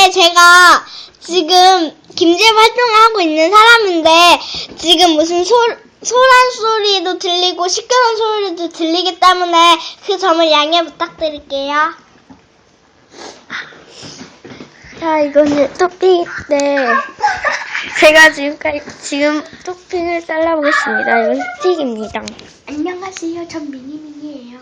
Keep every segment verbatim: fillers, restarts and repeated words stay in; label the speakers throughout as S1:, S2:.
S1: 근데 제가 지금 김제 활동을 하고 있는 사람인데 지금 무슨 소, 소란 소리도 들리고 시끄러운 소리도 들리기 때문에 그 점을 양해 부탁드릴게요.
S2: 자, 이거는 토핑인데 제가 지금까지 지금 토핑을 잘라보겠습니다. 이건 스틱입니다.
S3: 안녕하세요. 전 미니미니예요.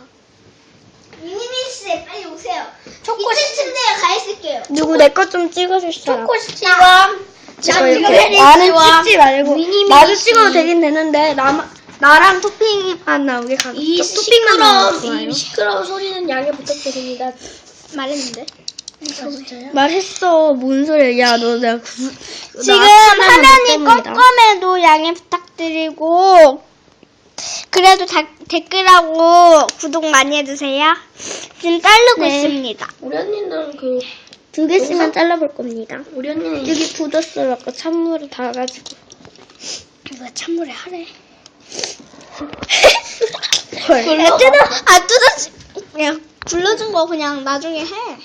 S1: 미니미씨 빨리 오세요.
S3: 초코
S1: 이층 침대에 가 있을게요.
S2: 누구 내 것 좀 찍어줄 사람?
S3: 초코 스티와
S2: 이거
S1: 지금
S2: 이렇게 나는
S1: 페리스와
S2: 찍지 말고
S3: 미니미니
S2: 나도
S3: 씨.
S2: 찍어도 되긴 되는데 나 나랑 토핑만 나오게 가고
S3: 이
S2: 토핑만 나오면
S3: 시끄러운
S2: 좋아요.
S3: 이 시끄러운 소리는 양해 부탁드립니다. 말했는데. 진짜요?
S2: 말했어. 뭔 소리야? 야, 너 내가 구,
S1: 지금
S2: 나 아침에
S1: 화면이
S2: 못 봅니다.
S1: 껌껌해도 양해 부탁드리고 그래도 다, 댓글하고 구독 많이 해주세요. 지금 자르고
S2: 네.
S1: 있습니다.
S3: 우리 언니는 그
S2: 두 개씩만 잘라볼 겁니다.
S3: 우리 언니는
S2: 여기 굳었어요. 아까 찬물을 닿아가지고.
S1: 이거 찬물에 하래.
S2: 헐.
S1: 야, 뜯어, 아, 뜯어지. 야, 굴러준 거 그냥 나중에 해.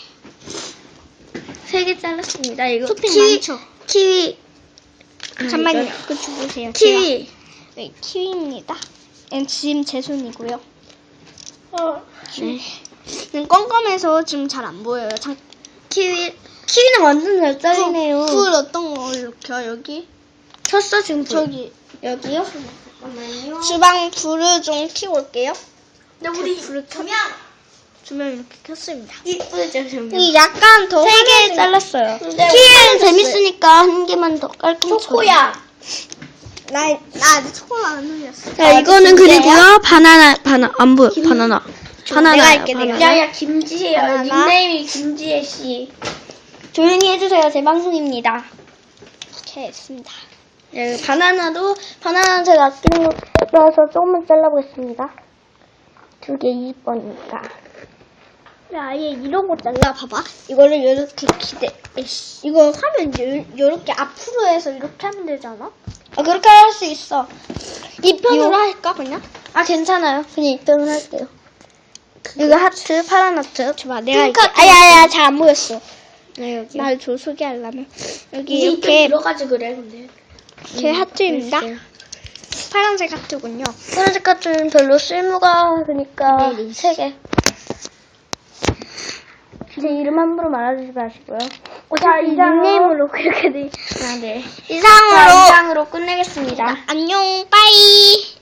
S2: 세 개 잘랐습니다. 이거
S1: 토핑
S2: 키위,
S1: 많죠?
S2: 키위. 아,
S1: 잠깐만요.
S2: 이거
S1: 그거 주세요.
S2: 키위.
S1: 네, 키위입니다. 얘는 지금 제 손이고요.
S3: 어,
S2: 네.
S1: 얘는 껌껌해서 지금 잘 안 보여요. 장,
S2: 키위. 키위는 완전 잘 잘리네요.
S1: 불 어떤 걸로 켜, 여기?
S2: 켰어 지금 불.
S1: 저기,
S2: 여기요?
S3: 잠깐만요.
S1: 주방 불을 좀 켜고 올게요.
S3: 근데 우리
S1: 불을 켜. 주면 이렇게 켰습니다.
S2: 이쁘죠 지금.
S1: 이 약간 더
S2: 세 개
S1: 환해진-
S2: 잘랐어요.
S3: 근데
S2: 키위는 재밌으니까 한 개만 더 깔끔.
S3: 초코야.
S1: 나, 나 아직 초콜릿 안 흘렸어.
S2: 자, 이거는
S1: 진짜요?
S2: 그리고요. 바나나, 바나, 안 보여. 바나나. 바나나.
S1: 내가 할게, 내가.
S3: 야야 김지혜야.
S1: 바나나.
S3: 닉네임이 김지혜 씨.
S2: 조용히 해주세요. 제 방송입니다.
S1: 이렇게 했습니다.
S2: 네, 바나나도, 바나나는 제가 아끼는 거라서 조금만 잘라보겠습니다. 두 개 이십 번이니까.
S1: 야, 아예 이러고 잘라, 봐봐. 이거를 이렇게 기대, 에이씨. 이거 하면 이렇게 앞으로 해서 이렇게 하면 되잖아?
S2: 아, 그렇게 할 수 있어.
S1: 이 편으로
S2: 이거?
S1: 할까, 그냥?
S2: 아, 괜찮아요. 그냥 이 편을 할게요. 여기 하트, 파란 하트.
S1: 줘봐, 내가
S2: 핑크
S1: 이렇게.
S2: 하트.
S1: 아야야, 잘 안 보였어.
S2: 네, 여기.
S1: 날 줘, 소개하려면. 여기
S3: 이게
S1: 이렇게
S3: 들어가지 그래 근데.
S1: 제 하트입니다.
S2: 이렇게.
S1: 파란색 하트군요.
S2: 파란색 하트는 별로 쓸모가, 그러니까,
S1: 네, 네.
S2: 세 개. 제 이름 함부로 말아주지 마시고요.
S1: 어차피
S2: 닉네임으로 그렇게 돼. 아, 네.
S1: 이상으로.
S2: 자, 이상으로 끝내겠습니다.
S1: 안녕, 빠이.